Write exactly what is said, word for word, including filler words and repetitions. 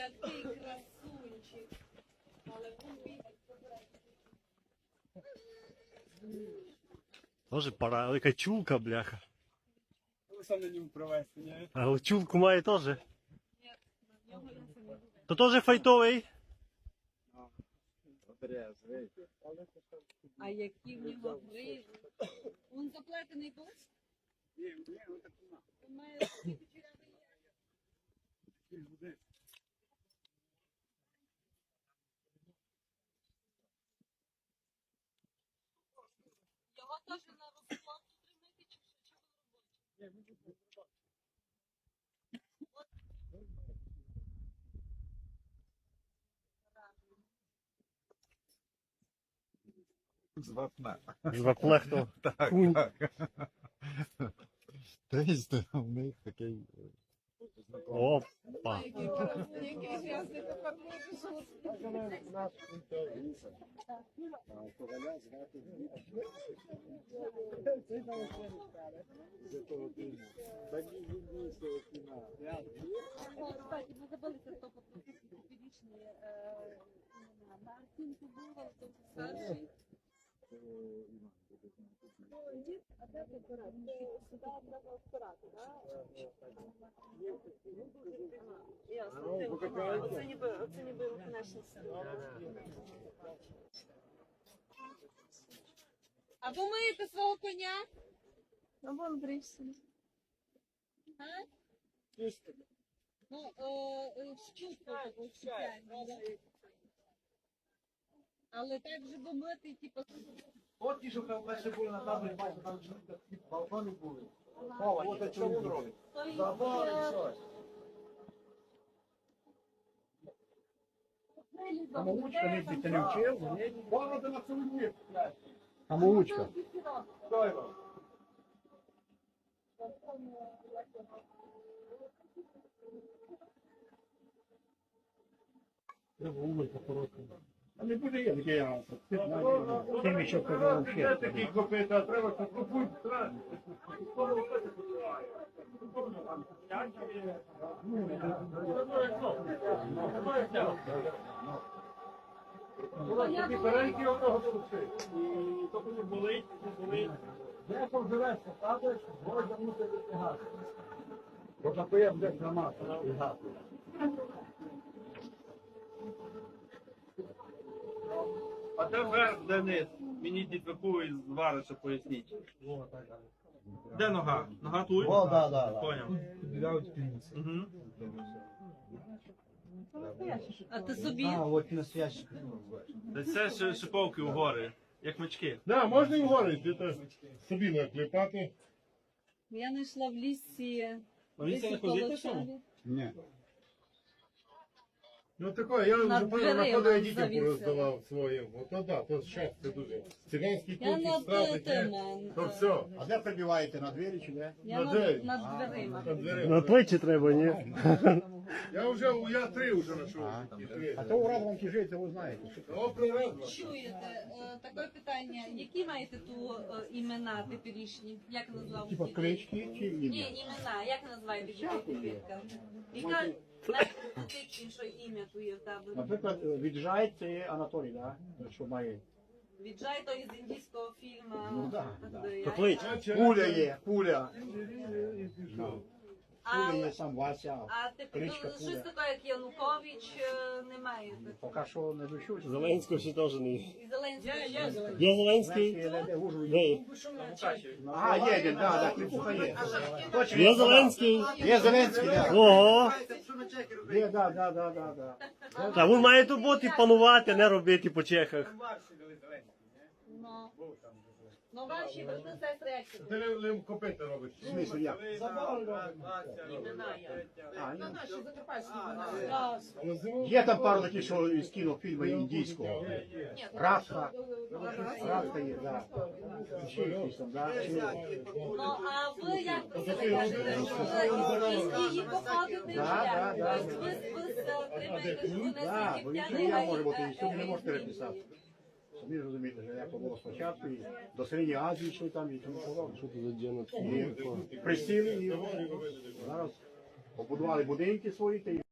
який красунчик. Але він бігає. Тоже пора, але яка чулка, бляха. Сам на ньому провести, ні? А чулку має теж. Ні, на нього я собі. То теж файтовий. А які в нього гризи. Він заплетений був? Ні, ні, отак нема. Він має такі кучеряві є. Такий буде. Його теж на розплату тримати чи що? Чи в роботі? З вапна. З ваплехту. Так, Кунь. так. Тобто у них такий Опа. Який грязний тепер буде. Кстати, ми забули це хто підічні імена. Мартинку було, то старший. А де апарат? Сюди треба апарат, так? Ясно. Оце ніби, оце ніби наші сили. А ви миєте свого коня? А вон брився. А? Ну, е, щутку таку спеціальну. Але так же бо мити, типу, От ті, що перше були на таборі, бачите, там ж такі балкони були. Ховані, от що він робить. Забори, щось. Самоучка не ти не вчив? Вона ти на цілий мір. Самоучка. Дай вам. Треба умити по-коротку. А не буде я таке я. Тим ще казав ще. Це такі копита, треба купуй. Тобі перейки одного души. І то не болить, не болить. Де там живеш, посадиш, можна мусити витягати. Бо такої буде громада. А де верх, де низ? Мені дітваку із вариша поясніть. Де нога? Нога тут? О, да, да, да. Поняв. Угу. а ти собі? А, от настоящий. Це ще шиповки у гори, як мечки. Да, можна і вгору, де собі наклепати. Я знайшла в лісі. А він це не ходить на цьому? Ні. Ну таке, я Над вже понял, дверима на ходу я дітям завісила. пороздавав своїм. Ото да, то щастя дуже. Циганські Я кухні, над страти, тим, то все. А де прибиваєте, на двері чи де? я На над, двері. над дверима. На двері. На плечі треба, ні? Я вже, я три вже знайшов. І три. А то у Радванки живете, ви знаєте. О, привезла. Чуєте, е, таке питання, які маєте ту е, імена теперішні? Як назвав? Типа клички чи Ні, ім'я? імена, як називаєте дітей підлітка? Яка найпотичніше ім'я твоє в тебе? Наприклад, віджай це Анатолій, да? Що має? Віджай то із індійського фільму. Ну, да, да. Де- То клич. Пуля є, пуля. А, Пуля є сам Вася. а ти Кличка щось Пуля. таке, як Янукович, е, не маєте? Поки що не дощусь. Зеленського ще теж не. І Зеленський. Є Зеленський Зеленський? не де Ужгород. Де? А, є, є, да, да, кліпуха є. Точно, Є Зеленський? Є Зеленський, да. Ого! Є, да, да, да, да, да. Та він має тут бути панувати, а не робити по чехах. Ну, ну ваші брати сестри, як це? Ти лим- лим копити робиш. В смислі, як? Імена є. А, ні. Але зиму- Є там пару таких, що із кінофільму індійського. Ні, Радха. Радха є, да. Ще якісь там, да. ну, а ви як про себе кажете? Ви із Індії походите? чи Да, як? да, да. Тобто ви ви тримаєте, що ви не Да, бо з нічого єгиптяни, я можу бути, а і сьогодні не із можете Індії. переписати. Самі розумієте, що як було спочатку, і до Середньої Азії йшли там, і тому подобне. Що це за діно? І присіли, і зараз побудували будинки свої, та й